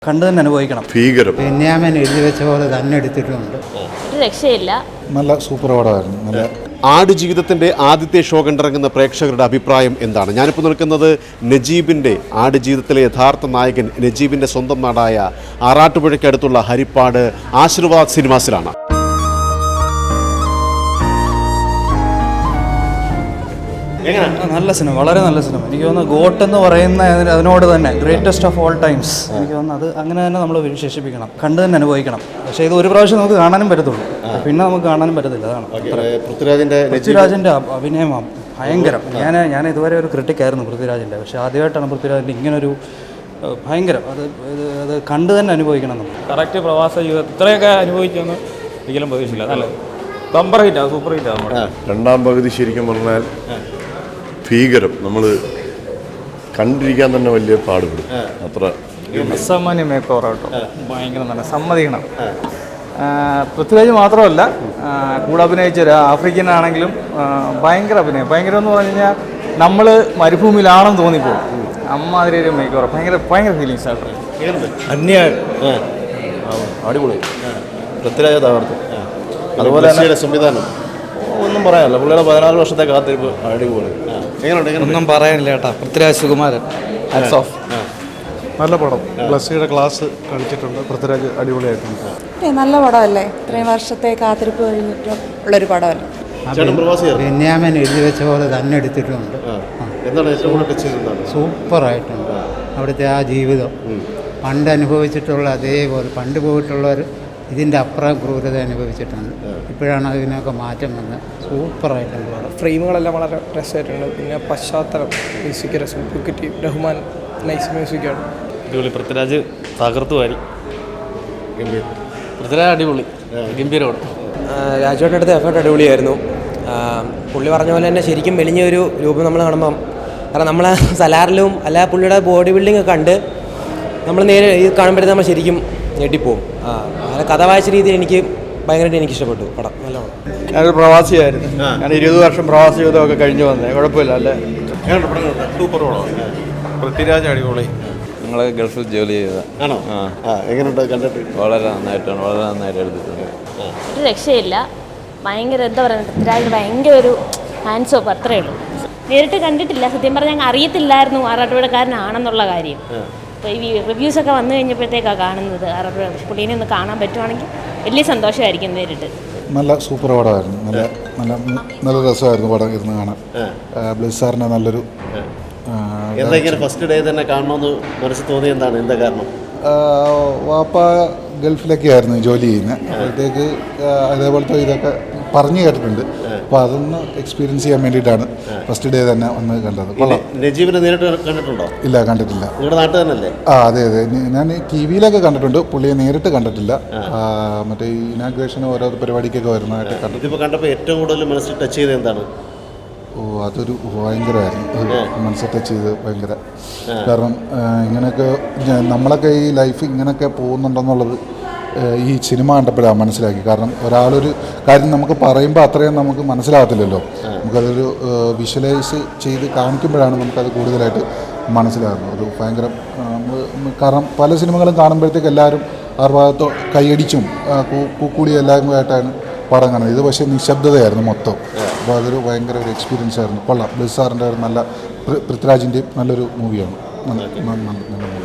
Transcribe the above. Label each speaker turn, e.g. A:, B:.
A: കണ്ടു തന്നെ അനുഭവിക്കണം.
B: ഭീകരം.
C: ബെന്യാമിൻ എഴുതി വെച്ച പോലെ തന്നെ എടുത്തിട്ടുണ്ട്.
D: ഒരു രക്ഷയില്ല.
E: നല്ല സൂപ്പർ പടമായിരുന്നു. നല്ല
B: ആടുജീവിതത്തിൻ്റെ ആദ്യത്തെ ഷോ കണ്ടിറങ്ങുന്ന പ്രേക്ഷകരുടെ അഭിപ്രായം എന്താണ്? ഞാനിപ്പോൾ നിൽക്കുന്നത് നജീബിൻ്റെ ആടുജീവിതത്തിലെ യഥാർത്ഥ നായകൻ നജീബിൻ്റെ സ്വന്തം നാടായ ആറാട്ടുപുഴയ്ക്കടുത്തുള്ള ഹരിപ്പാട് ആശീർവാദ് സിനിമാസിലാണ്.
A: നല്ല സിനിമ, വളരെ നല്ല സിനിമ. എനിക്ക് തോന്നുന്നു ഗോട്ട് എന്ന് പറയുന്ന അതിനോട് തന്നെ ഗ്രേറ്റസ്റ്റ് ഓഫ് ഓൾ ടൈംസ്. എനിക്ക് തോന്നുന്നു അത് അങ്ങനെ തന്നെ നമ്മൾ വിശേഷിപ്പിക്കണം, കണ്ടു തന്നെ അനുഭവിക്കണം. പക്ഷേ ഇത് ഒരു പ്രാവശ്യം നമുക്ക് കാണാനും പറ്റത്തുള്ളൂ, പിന്നെ നമുക്ക് കാണാനും പറ്റത്തില്ല. അതാണ് പൃഥ്വിരാജിൻ്റെ അഭിനയം ഭയങ്കരം. ഞാൻ ഇതുവരെ ഒരു ക്രിട്ടിക്കായിരുന്നു പൃഥ്വിരാജിൻ്റെ, പക്ഷേ ആദ്യമായിട്ടാണ് പൃഥ്വിരാജിൻ്റെ ഇങ്ങനൊരു ഭയങ്കരം. അത് കണ്ടു തന്നെ അനുഭവിക്കണം നമ്മൾ.
F: കറക്റ്റ് പ്രവാസ ജീവിതം ഇത്രയൊക്കെ അനുഭവിക്കുമെന്ന് ഒരിക്കലും പ്രതീക്ഷിച്ചില്ല. നല്ല ബമ്പർ ഹിറ്റാണ്, സൂപ്പർ ഹിറ്റാണ്.
B: രണ്ടാം പകുതി ശരിക്കും പറഞ്ഞാൽ ഭീകരം. നമ്മൾ കണ്ടിരിക്കാൻ തന്നെ വലിയ പാടുപെടും. അത്ര
F: അസാമാന്യ മേക്ക് ഓവർ കേട്ടോ, ഭയങ്കര നല്ല, സമ്മതിക്കണം. പൃഥ്വിരാജ് മാത്രമല്ല, കൂടെ അഭിനയിച്ച ആഫ്രിക്കൻ ആണെങ്കിലും ഭയങ്കര അഭിനയം. ഭയങ്കരം എന്ന് പറഞ്ഞു കഴിഞ്ഞാൽ നമ്മൾ മരുഭൂമിയിലാണെന്ന് തോന്നിപ്പോകും. അമ്മാതിരി ഒരു മേക്ക് ഓവർ, ഭയങ്കര ഫീലിങ്സ് ആട്ടോ.
E: അടിപൊളി. പൃഥ്വിരാജ് തകർത്തു. അതുപോലെ തന്നെ സംവിധാനം ഒന്നും പറയാനില്ല. പുള്ളിയുടെ 14 വർഷത്തെ കാത്തിരിപ്പ് അടിപൊളി.
A: ഒന്നും പറയാനില്ല കേട്ടോ. പൃഥ്വിരാജ് സുകുമാരൻ
E: നല്ല പടം. ബ്ലസ്സിയുടെ ക്ലാസ് കളിച്ചിട്ടുണ്ട്. പൃഥ്വിരാജ് അടിപൊളിയായിട്ടുണ്ട്.
G: നല്ല പടമല്ലേ, ഇത്രയും വർഷത്തെ കാത്തിരിപ്പ് കഴിഞ്ഞിട്ട് ഉള്ളൊരു പടമല്ലേ.
C: ബെന്യാമിൻ എഴുതി വെച്ച പോലെ തന്നെ എടുത്തിട്ടുണ്ട്. സൂപ്പറായിട്ടുണ്ട്. അവിടുത്തെ ആ ജീവിതം പണ്ട് അനുഭവിച്ചിട്ടുള്ള അതേപോലെ, പണ്ട് പോയിട്ടുള്ളവർ ഇതിൻ്റെ അപ്പുറം ക്രൂരത അനുഭവിച്ചിട്ടുണ്ട്. ഇപ്പോഴാണ് അതിനൊക്കെ മാറ്റം വന്നത്. സൂപ്പറായിട്ടുണ്ട് പടം.
H: ഫ്രെയിമുകളെല്ലാം വളരെ രസമായിട്ടുണ്ട്. പിന്നെ പശ്ചാത്തലം മ്യൂസിക് രസം, റഹ്മാൻ നൈസ് മ്യൂസിക്കാണ്.
F: അടിപൊളി. പൃഥ്വിരാജ് തകർത്തു വാരി.
A: പൃഥ്വിരാജ് അടിപൊളി, ഗംഭീരമാണ്.
I: രാജുവേട്ടൻ്റെ അടുത്ത് എഫേർട്ട് അടിപൊളിയായിരുന്നു. പുള്ളി പറഞ്ഞ പോലെ തന്നെ ശരിക്കും മെലിഞ്ഞ ഒരു രൂപം നമ്മൾ കാണുമ്പം, കാരണം നമ്മൾ സലാറിലും അല്ല പുള്ളിയുടെ ബോഡി ബിൽഡിംഗ് ഒക്കെ കണ്ട് നമ്മൾ നേരെ ഇത് കാണുമ്പോഴത്തേക്ക് നമ്മൾ ശരിക്കും ഞെട്ടിപ്പോവും. അങ്ങനെ കഥ വായിച്ച രീതിയിൽ എനിക്ക് ഭയങ്കരമായിട്ട് എനിക്ക് ഇഷ്ടപ്പെട്ടു പടം. നല്ല പടം.
E: ഞാനൊരു പ്രവാസിയായിരുന്നു. ഞാൻ 20 വർഷം പ്രവാസി ജീവിതമൊക്കെ കഴിഞ്ഞു വന്നേ. കുഴപ്പമില്ല. അല്ലേ,
B: സൂപ്പർ പടമാണ്.
E: പൃഥ്വിരാജ് അടിപൊളി.
J: നിങ്ങൾ ഗൾഫിൽ ജോലി ചെയ്തതാണോ?
B: എങ്ങനെയുണ്ട് കണ്ടിട്ട്?
J: വളരെ നന്നായിട്ട് എടുത്തിട്ടുണ്ട്.
D: ഒരു രക്ഷയില്ല. ഭയങ്കര എന്താ പറയുക, പൃഥ്വിരാജിന് ഭയങ്കര ഒരു ഹാൻഡ്സ് ഓഫ്, അത്രയേ ഉള്ളൂ. നേരിട്ട് കണ്ടിട്ടില്ല, സത്യം പറഞ്ഞാൽ ഞങ്ങൾ അറിയത്തില്ലായിരുന്നു ആറാട്ടുപുഴക്കാരനാണെന്നുള്ള കാര്യം. അപ്പോൾ ഈ റിവ്യൂസൊക്കെ വന്നു കഴിഞ്ഞപ്പോഴത്തേക്കാണ് കാണുന്നത്. ആറാട്ടുപുഴ പുള്ളീനെ ഒന്ന് കാണാൻ പറ്റുവാണെങ്കിൽ വലിയ സന്തോഷമായിരിക്കും നേരിട്ട്.
E: നല്ല സൂപ്പർ പടമായിരുന്നു. നല്ല രസമായിരുന്നു പടം ഇരുന്ന് കാണാൻ. ബ്ലിസാറിൻ്റെ നല്ലൊരു
B: ഫസ്റ്റ് ഡേ തന്നെ കാണണമെന്ന് മനസ്സിൽ തോന്നിയ എന്താണ്? എന്താ കാരണം?
E: വാപ്പ ഗൾഫിലൊക്കെ ആയിരുന്നു ജോലി ചെയ്യുന്നത്. അപ്പോഴത്തേക്ക് അതേപോലത്തെ ഇതൊക്കെ പറഞ്ഞു കേട്ടിട്ടുണ്ട്. അപ്പോൾ അതൊന്ന് എക്സ്പീരിയൻസ് ചെയ്യാൻ വേണ്ടിയിട്ടാണ് ഫസ്റ്റ് ഡേ തന്നെ വന്ന് കണ്ടത്.
B: നജീബിനെ നേരിട്ട് കണ്ടിട്ടുണ്ടോ?
E: ഇല്ല, കണ്ടിട്ടില്ല.
B: നിങ്ങളുടെ നാട്ടിൽ തന്നെയല്ലേ?
E: അതെ. ഞാൻ ടി വിയിലൊക്കെ കണ്ടിട്ടുണ്ട്, പുള്ളിയെ നേരിട്ട് കണ്ടിട്ടില്ല. മറ്റേ ഈ ഇനാഗ്രേഷന് ഓരോ പരിപാടിക്കൊക്കെ വരുന്നതായിട്ട് കണ്ടു.
B: ഇതിപ്പോൾ കണ്ടപ്പോൾ ഏറ്റവും കൂടുതൽ മനസ്സിൽ ടച്ച് ചെയ്തത് എന്താണ്?
E: അതൊരു ഭയങ്കരമായിരുന്നു. മനസ്സിൽ ടച്ച് ചെയ്ത് ഭയങ്കര. കാരണം ഇങ്ങനെയൊക്കെ നമ്മളൊക്കെ ഈ ലൈഫ് ഇങ്ങനെയൊക്കെ പോകുന്നുണ്ടെന്നുള്ളത് ഈ സിനിമ കണ്ടപ്പോഴാണ് മനസ്സിലാക്കി. കാരണം ഒരാളൊരു കാര്യം നമുക്ക് പറയുമ്പോൾ അത്രയും നമുക്ക് മനസ്സിലാകത്തില്ലല്ലോ. നമുക്കതൊരു വിഷ്വലൈസ് ചെയ്ത് കാണിക്കുമ്പോഴാണ് നമുക്കത് കൂടുതലായിട്ട് മനസ്സിലാകുന്നത്. ഒരു ഭയങ്കര കാരണം പല സിനിമകളും കാണുമ്പോഴത്തേക്ക് എല്ലാവരും ആ ഭാഗത്തോ കൈയടിച്ചും കൂടി എല്ലാവരുമായിട്ടാണ് പടം കാണുന്നത്. ഇത് പക്ഷേ നിശബ്ദതയായിരുന്നു മൊത്തം. അപ്പോൾ അതൊരു ഭയങ്കര ഒരു എക്സ്പീരിയൻസ് ആയിരുന്നു. കൊള്ളാം. ബ്ലിസാറിൻ്റെ ഒരു നല്ല, പൃഥ്വിരാജിൻ്റെയും നല്ലൊരു മൂവിയാണ്. നല്ല മൂവി.